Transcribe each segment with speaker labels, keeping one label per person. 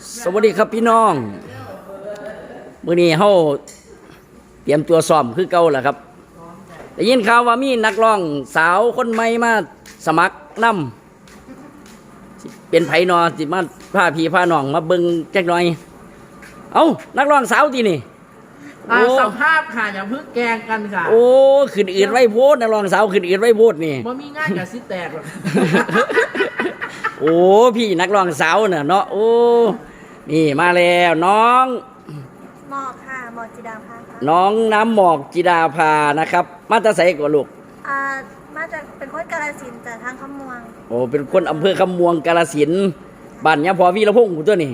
Speaker 1: สวัสดีครับพี่น้องมื้อนี้เฮาเตรียมตัวซ้อมคือเก่าแหละครับได้ยินข่าวว่ามีนักร้องสาวคนใหม่มาสมัครนำเป็นไผนอสิมาพาพี่พาน้องมาเบิ่งจักหน่อยเอ้านักร้องสาวตินี่
Speaker 2: สภาพค่ะอย่าเพิ่งแกงกันค่ะ
Speaker 1: โอ้ขึ้นอืดไว้โพดนักร้องสาวขึ้นอืดไว้โพดนี่
Speaker 2: บ่มีง่ายกับสิแตกหรอก
Speaker 1: โอ้พี่นักร้องสาวน่ะเนาะโอ้นี่มาแล้วน้อง
Speaker 3: หมอกค่ะหมอกจิดาภาค่ะ
Speaker 1: น้องน้ำหมอกจิดาภานะครับมาตาใสกว่าลูก
Speaker 3: มาจากเป็นคนกาฬสินธุ์จากทางคำม่วง
Speaker 1: โอ้เป็นคนอำเภอคำม่วงกาฬสินธุ์บ้านยะพอวีรพงษ์ตัวนี้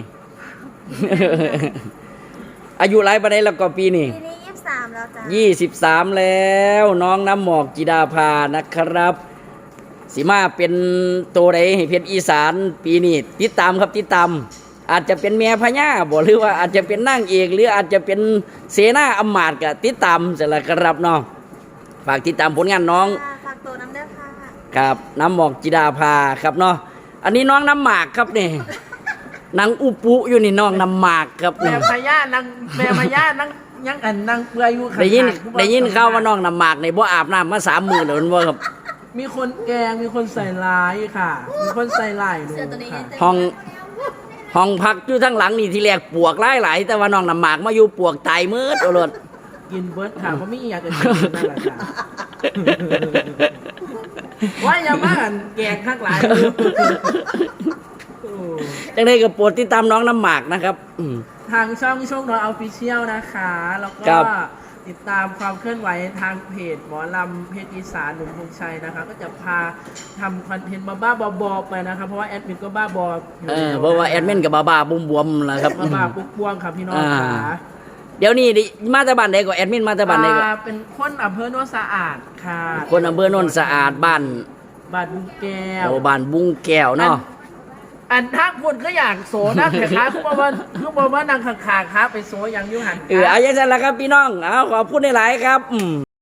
Speaker 1: อายุหลายปานใดแล้วก็ปีนี้
Speaker 3: 23แล้วจ้ะ
Speaker 1: 23แล้วน้องน้ำหมอกจิดาภานะครับสิมาเป็นตัวใดให้เพชรอีสานปีนี้ติดตามครับติดตามอาจจะเป็นแม่พญาบ่หรือว่าอาจจะเป็นนางเอกหรืออาจจะเป็นเสนาอำมาตย์ก็ติดตามเสร็จแล้วครับเนาะฝากติดตามผลงานน้อง
Speaker 3: ฝากตัวน้ำเด้อค่ะ
Speaker 1: ครับน้ำหมอกจิดาภาครับเนาะอันนี้น้องน้ำหมากครับนี่นางอุปุอยู่นี่น้องน้ำหมากครับ
Speaker 2: แม่พญานางแม่พญานางยังนางเปื่อยอยู่
Speaker 1: ได้ยินข่าวว่าน้องน้ำหมากในบ่อาบน้ำมา3 มื้อแล้วมันบ่ครับ
Speaker 2: มีคนแกงมีคนใส่ร้ายค่ะมีคนใส่ร้ายด้วย
Speaker 1: ค่ะห้องพักอยู่ทั้งหลังนี่ที่แรกปวกหลายๆแต่ว่าน้องน้ำหมากมาอยู่ปวกตายมืดโอรส
Speaker 2: กินเบิร์ดค่ะเพราะไม่อยากจะกินนั่นแหละค่ะว่าอย่ามาแกงข้างหลัง
Speaker 1: จังได้ก็โปรดติดตามน้องน้ำหมากนะครับ
Speaker 2: ทางช่องน้องออฟฟิเชียลนะคะแล้วก็ติดตามความเคลื่อนไหวทางเพจหมอลำเพจอีสานหนุ่มพงชัยนะคะก็จะพาทำคอนเทนต์บ้าบอไปนะคะเพราะว่าแอดมินก็บ้าบอ
Speaker 1: เพราะว่าแอดมินกับบ้าบวมๆนะครับ
Speaker 2: บ้าปุ๊บวงครับพี่น้องค่ะ
Speaker 1: เดี๋ยวนี้มาจากบ้านใดก็แอดมินมาจากบ้านใดก็
Speaker 2: เป็นคนอำเภอโนนสะอาดค่ะ
Speaker 1: คนอำเภอโนนสะอาดบ้าน
Speaker 2: บุงแก้ว
Speaker 1: บ้านบุงแก้วเนาะ
Speaker 2: อันทักคนก็อยากโสนะแต่ค้าคือบอกว่านางขาค้าไปโสยังยุ่งหัน
Speaker 1: เอาอย่างนั้นแหละครับพี่น้องเอาขอบคุณหลายๆครับ